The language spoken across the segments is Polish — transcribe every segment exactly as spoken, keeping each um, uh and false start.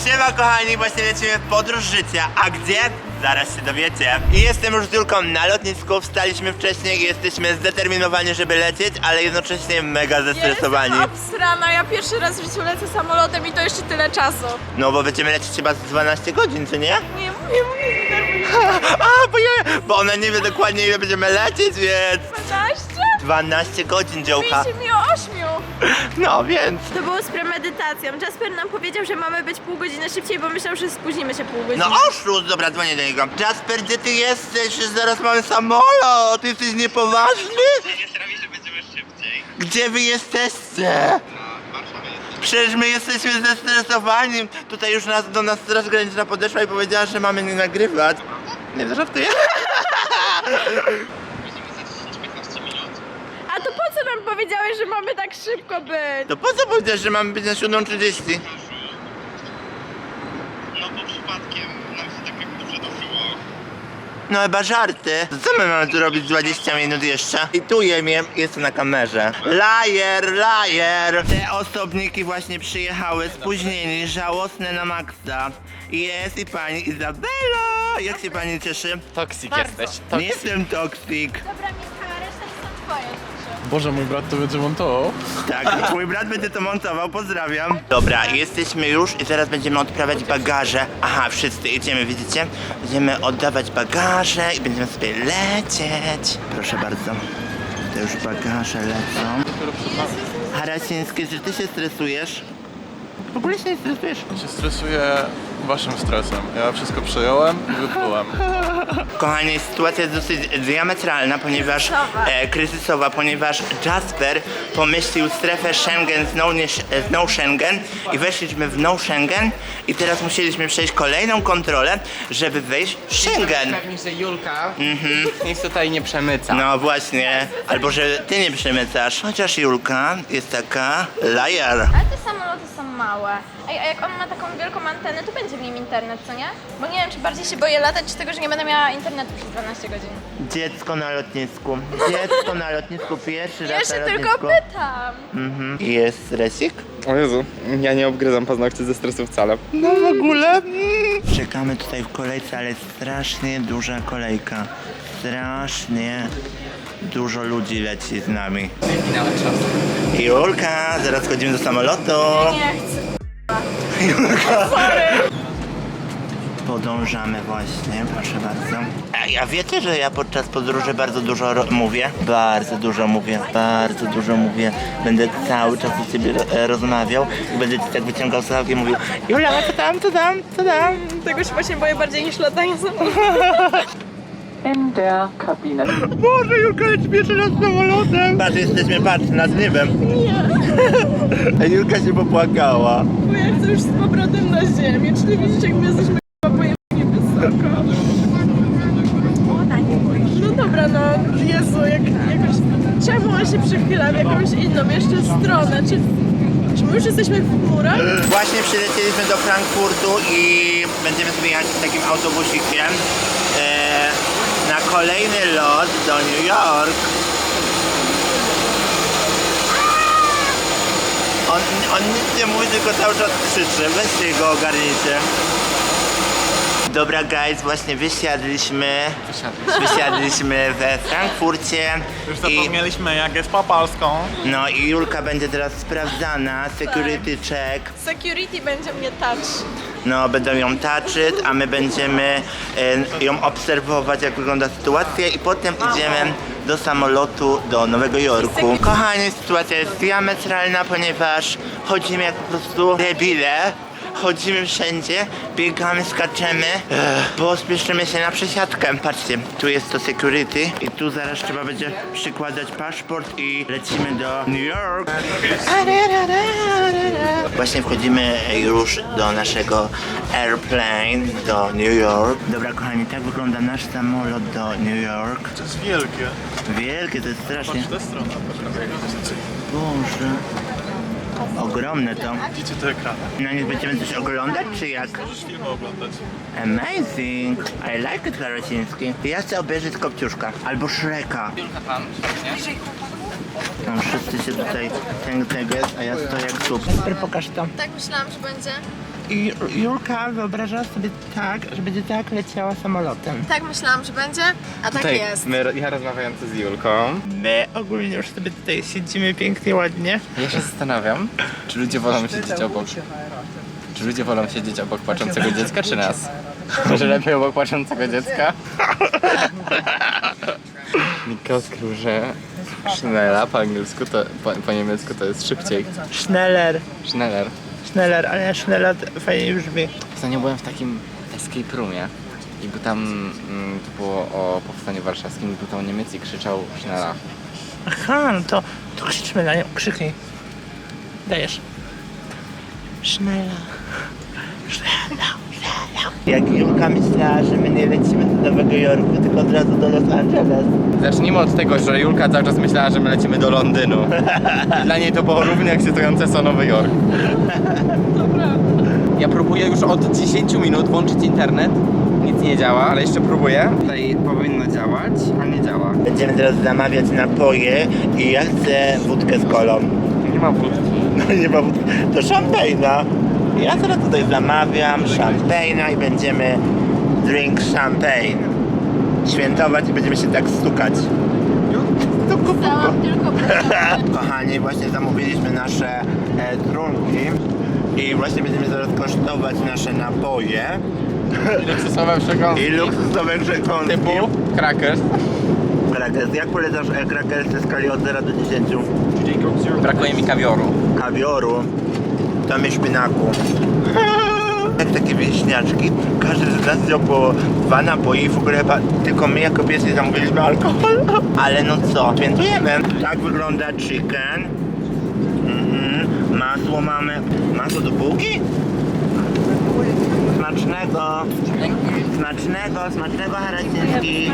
Siema kochani, właśnie lecimy w podróż życia. A gdzie? Zaraz się dowiecie. I jestem już z Julką na lotnisku, wstaliśmy wcześniej i jesteśmy zdeterminowani, żeby lecieć, ale jednocześnie mega zestresowani. Ja jestem obsrana, ja pierwszy raz w życiu lecę samolotem i to jeszcze tyle czasu. No bo będziemy lecieć chyba z dwanaście godzin, czy nie? Nie, mówię, mówię, A, bo, ja, bo ona nie wie dokładnie ile będziemy lecieć, więc... dwanaście? dwanaście godzin, dziołka. Mówiliście mi o ośmiu. No więc... To było z premedytacją. Jasper nam powiedział, że mamy być pół godziny szybciej, bo myślał, że spóźnimy się pół godziny. No oszust, dobra, dzwonię do niego. Jasper, gdzie ty jesteś? Już zaraz mamy samolot. Ty jesteś niepoważny? Nie sprawi, że będziemy szybciej. Gdzie wy jesteście? Na Warszawie jesteśmy. Przecież my jesteśmy zestresowani. Tutaj już nas, do nas Straż Graniczna podeszła i powiedziała, że mamy nie nagrywać. Nie, żartuję. Musimy za dziesięć do piętnastu minut. A to po co nam powiedziałeś, że mamy tak szybko być? To po co powiedziałeś, że mamy być na siódma trzydzieści? No bo przypadkiem nam się tak jak dobrze doszło. No chyba żarty. To co my mamy tu robić dwadzieścia minut jeszcze? I tu jemie, jest to na kamerze. Lajer, lajer. Te osobniki właśnie przyjechały spóźnieni, żałosne na maksa. Jest i pani Izabela. Jak się pani cieszy? Toksik Bardzo. jesteś. Nie jestem toksik. Dobra, Michał, reszta są twoje rzeczy. Boże, mój brat to będzie montował. Tak, mój brat będzie to montował, pozdrawiam. Dobra, jesteśmy już i teraz będziemy odprawiać bagaże. Aha, wszyscy idziemy, widzicie? Będziemy oddawać bagaże i będziemy sobie lecieć. Proszę bardzo. To już bagaże lecą. Harasiński, czy ty się stresujesz? W ogóle się nie stresujesz? Się stresuję waszym stresem. Ja wszystko przejąłem i wyplułem. Kochani, sytuacja jest dosyć diametralna, ponieważ Kryzysowa. e, kryzysowa, ponieważ Jasper pomyślił strefę Schengen z no, nie, z no Schengen i weszliśmy w no Schengen i teraz musieliśmy przejść kolejną kontrolę, żeby wejść w Schengen. Pewnie, że Julka nic tutaj nie przemyca. No właśnie, albo że ty nie przemycasz. Chociaż Julka jest taka liar. Ale te samoloty są małe. Ej, a jak on ma taką wielką antenę, to będzie w nim internet, co nie? Bo nie wiem, czy bardziej się boję latać, czy tego, że nie będę miała internetu przez dwanaście godzin. Dziecko na lotnisku. Dziecko na lotnisku, pierwszy raz Ja się na tylko lotnisku. pytam. Mhm. Jest stresik? O Jezu, ja nie obgryzam paznokci ze stresu wcale. No w ogóle. Mm. Czekamy tutaj w kolejce, ale strasznie duża kolejka. Strasznie dużo ludzi leci z nami. Minąłem czas. Julka, zaraz chodzimy do samolotu. Nie chcę. Podążamy właśnie, proszę bardzo. Ej, a wiecie, że ja podczas podróży bardzo dużo ro- mówię? Bardzo dużo mówię, bardzo dużo mówię. Będę cały czas z ciebie ro- rozmawiał i będę ci tak wyciągał słuchawki i mówił: Jula, co tam, co tam, co tam? Tego się właśnie boję bardziej niż latanie samolotem. In der Kabine. Boże, Julka leci pierwszy raz samolotem. Patrz, jesteśmy, patrz, nad niebem. Nie. Julka się popłakała. Bo ja chcę już z powrotem na ziemię, czyli widzicie, jak my jesteśmy pojemnie wysoko. No dobra, no Jezu, jak, jakoś... Czemu on się przychyla w jakąś inną jeszcze stronę? Czy, czy my już jesteśmy w chmurach? Właśnie przylecieliśmy do Frankfurtu i będziemy sobie jechać takim autobusikiem e, na kolejny lot do New York. On, on nic nie mówi, tylko cały czas krzyczy. Weźcie go, ogarnijcie. Dobra guys, właśnie wysiadliśmy, wysiadliśmy we Frankfurcie. Już i, zapomnieliśmy jak jest po polsku. no i Julka będzie teraz sprawdzana, security check. Security będzie mnie touch. No, będą ją taczyć, a my będziemy e, ją obserwować, jak wygląda sytuacja i potem idziemy do samolotu do Nowego Jorku. Kochani, sytuacja jest diametralna, ponieważ chodzimy jak po prostu debile. Chodzimy wszędzie, biegamy, skaczemy, Ech, bo spieszymy się na przesiadkę. Patrzcie, tu jest to security i tu zaraz trzeba będzie przykładać paszport i lecimy do New York. Właśnie wchodzimy już do naszego airplane do New York. Dobra kochani, tak wygląda nasz samolot do New York. To jest wielkie. Wielkie, to jest strasznie. Patrz tę stronę. Boże. Ogromne to. Widzicie te ekrany? Na nich będziemy coś oglądać, czy jak? Możesz filmy oglądać. Amazing! I like it, Harasiński. Ja chcę obejrzeć Kopciuszka albo Shreka. Julka pan, nie? Tam wszyscy się tutaj tego jest, a ja stoję jak słup. Super, pokaż to. Tak myślałam, że będzie. I Julka wyobrażała sobie tak, że będzie tak leciała samolotem. Tak myślałam, że będzie, a tak jest. my, ja rozmawiający z Julką. My ogólnie już sobie tutaj siedzimy pięknie, ładnie. Ja się zastanawiam, czy ludzie wolą siedzieć obok. Czy ludzie wolą siedzieć obok płaczącego dziecka, czy nas? Może lepiej obok płaczącego dziecka? Nika odkrył, że Schnella po angielsku to, po, po niemiecku to jest szybciej. Schneller, Schneller. Schneller, ale Schneller fajnie brzmi. Ostatnio byłem w takim escape roomie i był tam, mm, to było o powstaniu warszawskim, i był tam Niemiec i krzyczał Schnella. Aha, no to, to krzyczmy na nią, krzyknij. Dajesz. Schnella. Schnella, Schnella. Jak Julka myślała, że my nie lecimy do Nowego Jorku, tylko od razu do Los Angeles. Zacznijmy od tego, że Julka cały czas myślała, że my lecimy do Londynu. Dla niej to było równie ekscytujące co Nowy Jork. Ja próbuję już od dziesięciu minut włączyć internet. Nic nie działa, ale jeszcze próbuję. Tutaj powinno działać, a nie działa. Będziemy teraz zamawiać napoje i ja chcę wódkę z kolą. Nie ma wódki. No nie ma wódki, to szampejna. Ja teraz tutaj zamawiam szampejna i będziemy drink champagne. Świętować i będziemy się tak stukać. Dałam tylko Kochani, właśnie zamówiliśmy nasze e, trunki i właśnie będziemy zaraz kosztować nasze napoje Luksusowe przekąski. i luksusowe przekąski. Typu crackers. Krakers. Jak polecasz e, krakersy w skali od zera do dziesięciu? Brakuje mi kawioru. Kawioru, tam jest szpinaku. Jak takie wieśniaczki, każdy z nas wziął po dwa napoje i w ogóle chyba tylko my jako pierwsi zamówiliśmy alkohol. Ale no co, świętujemy. Tak wygląda chicken. Mhm. Masło mamy. Masło do bułki? Smacznego. Smacznego, smacznego Haraciński.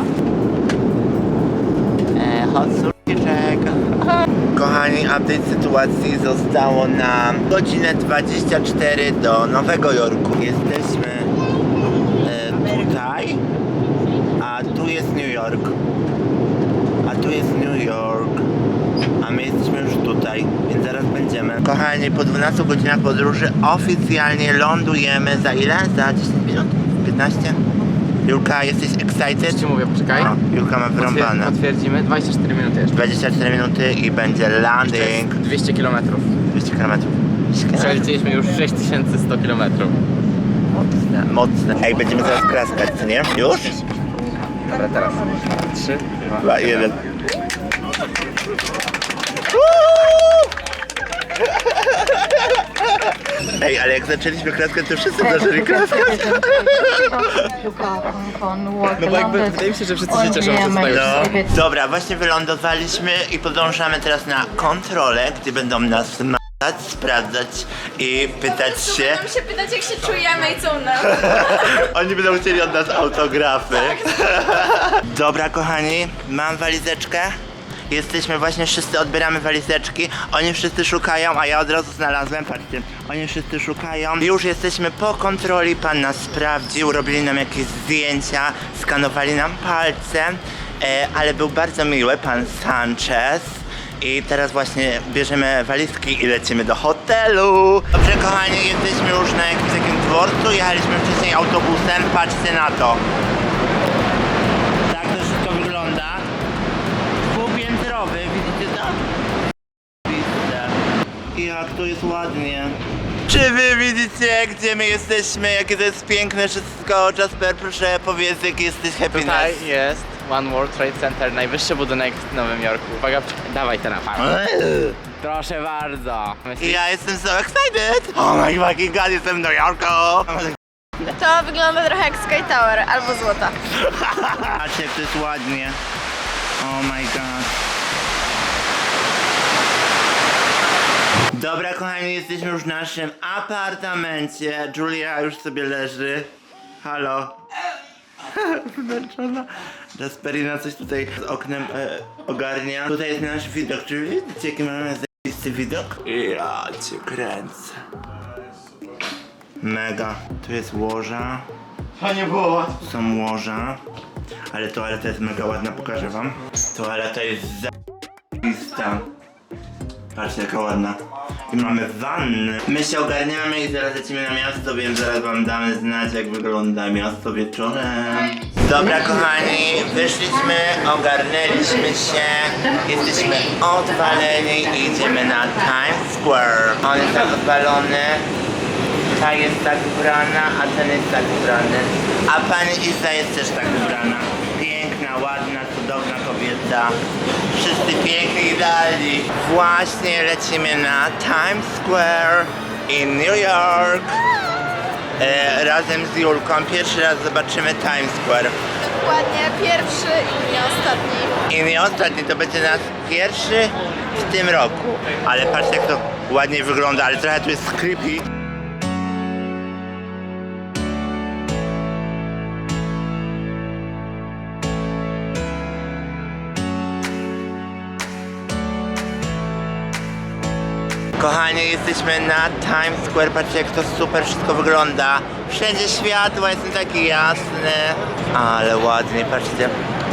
E, hot surkiczek. Kochani, update sytuacji zostało nam godzinę dwadzieścia cztery do Nowego Jorku. Jesteśmy e, tutaj, a tu jest New York. A tu jest New York. A my jesteśmy już tutaj, więc zaraz będziemy. Kochani, po dwunastu godzinach podróży oficjalnie lądujemy za ile? Za dziesięć minut? piętnaście? Julka, jesteś excited? Ci mówię, poczekaj. No, Julka ma wyrąbane. Potwierdzimy, dwadzieścia cztery minuty jeszcze. dwadzieścia cztery minuty i będzie landing. dwieście kilometrów. dwieście kilometrów. Przelecieliśmy już sześć tysięcy sto kilometrów. Mocne, mocne. Ej, będziemy zaraz klaskać, co nie? Już? Dobra, teraz. trzy, Dwa, jeden. Ej, ale jak zaczęliśmy klaskać, to wszyscy zaczęli klaskać. No bo jakby wydaje mi się, że wszyscy się cieszą, że tutaj już No. Dobra, właśnie wylądowaliśmy i podążamy teraz na kontrolę, gdzie będą nas matać, sprawdzać i pytać się. Będą się pytać, jak się czujemy i co u nas. Oni będą chcieli od nas autografy. Dobra, kochani, mam walizeczkę. Jesteśmy właśnie, wszyscy odbieramy walizeczki. Oni wszyscy szukają, a ja od razu znalazłem, patrzcie. Oni wszyscy szukają. Już jesteśmy po kontroli, pan nas sprawdził, robili nam jakieś zdjęcia, skanowali nam palce, e, ale był bardzo miły, pan Sanchez. I teraz właśnie bierzemy walizki i lecimy do hotelu. Dobrze, kochani, jesteśmy już na jakimś takim dworcu, jechaliśmy wcześniej autobusem, patrzcie na to. Tak to wszystko wygląda. Dwupiętrowy, widzicie to? Widzę. Jak to jest ładnie. Czy wy widzicie, gdzie my jesteśmy, jakie to jest piękne wszystko? Jasper, proszę powiedz, jaki jesteś happiness. Tutaj jest One World Trade Center, najwyższy budynek w Nowym Jorku. Uwaga, dawaj ten aparat. Proszę bardzo. I ja jestem so excited! Oh my fucking god, jestem w New Yorku! To wygląda trochę jak Sky Tower albo złota. Patrzcie, jak to jest ładnie. Oh my god. Dobra, kochani, jesteśmy już w naszym apartamencie. Julia już sobie leży. Halo. Zmęczona. Jasperina coś tutaj z oknem e, ogarnia. Tutaj jest nasz widok. Czy widzicie, jaki mamy zajebisty widok? Ja cię kręcę. Mega. Tu jest łoża. To nie było. Są łoża. Ale toaleta jest mega ładna, pokażę wam. Toaleta jest za***ista. Tak. Patrzcie jaka ładna. I mamy wannę. My się ogarniamy i zaraz lecimy na miasto, więc zaraz wam damy znać jak wygląda miasto wieczorem. Dobra kochani, wyszliśmy, ogarnęliśmy się, jesteśmy odwaleni i idziemy na Times Square. On jest tak odwalony, ta jest tak ubrana, a ten jest tak ubrany. A pani Iza jest też tak ubrana. Piękna, ładna, cudowna kobieta. Wszyscy piękni i idealni. Właśnie lecimy na Times Square in New York. E, razem z Julką. Pierwszy raz zobaczymy Times Square. Dokładnie, pierwszy i nie ostatni. I nie ostatni, to będzie nasz pierwszy w tym roku. Ale patrzcie jak to ładnie wygląda, ale trochę tu jest creepy. Kochani, jesteśmy na Times Square, patrzcie jak to super wszystko wygląda. Wszędzie światła, jestem taki jasny. Ale ładnie, patrzcie.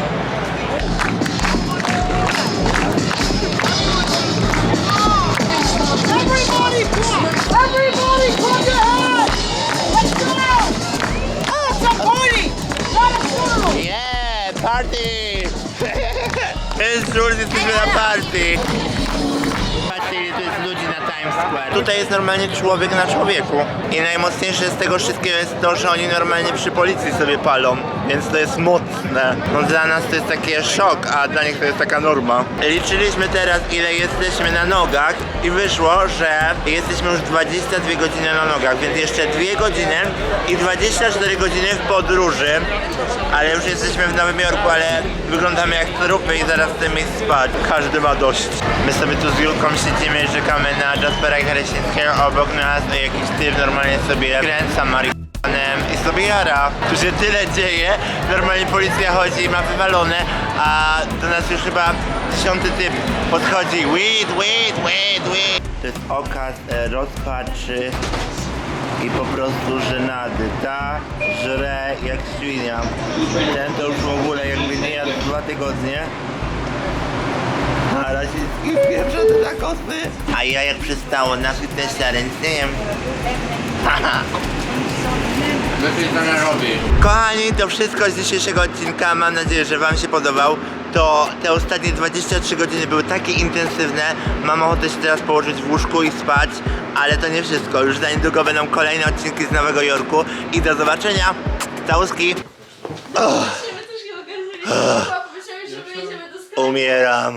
Everybody clap! Everybody clap your hands! Let's go! Oh, it's a party! Not a funeral! Yeah, party! Jest żurt, jesteśmy na party. Patrzcie ile tu jest ludzi na Times Square. Tutaj jest normalnie człowiek na człowieku. I najmocniejsze z tego wszystkiego jest to, że oni normalnie przy policji sobie palą. Więc to jest mocne. No dla nas to jest taki szok, a dla nich to jest taka norma. Liczyliśmy teraz ile jesteśmy na nogach i wyszło, że jesteśmy już dwadzieścia dwie godziny na nogach, więc jeszcze dwie godziny i dwadzieścia cztery godziny w podróży. Ale już jesteśmy w Nowym Jorku, ale wyglądamy jak trupy i zaraz chcemy iść spać. Każdy ma dość. My sobie tu z Julką siedzimy i czekamy na Jaspera i Harysińskiego obok nas, a jakiś typ normalnie sobie kręca marihuanem i sobie jara. Tu się tyle dzieje, normalnie policja chodzi i ma wywalone, a do nas już chyba dziesiąty typ podchodzi. Weed, weed, weed, weed. To jest okaz e, rozpaczy i po prostu żenady. Ta żre jak świnia. Ten to już w ogóle jakby nie jadł dwa tygodnie. A rasistki pieprzone takosy. A ja jak przystało na fitnessie, ale nic nie jem. Haha. Wypij to nie robi. Kochani, to wszystko z dzisiejszego odcinka. Mam nadzieję, że wam się podobał. To te ostatnie dwadzieścia trzy godziny były takie intensywne. Mam ochotę się teraz położyć w łóżku i spać. Ale to nie wszystko. Już za niedługo będą kolejne odcinki z Nowego Jorku. I do zobaczenia. Całuski. Umieram.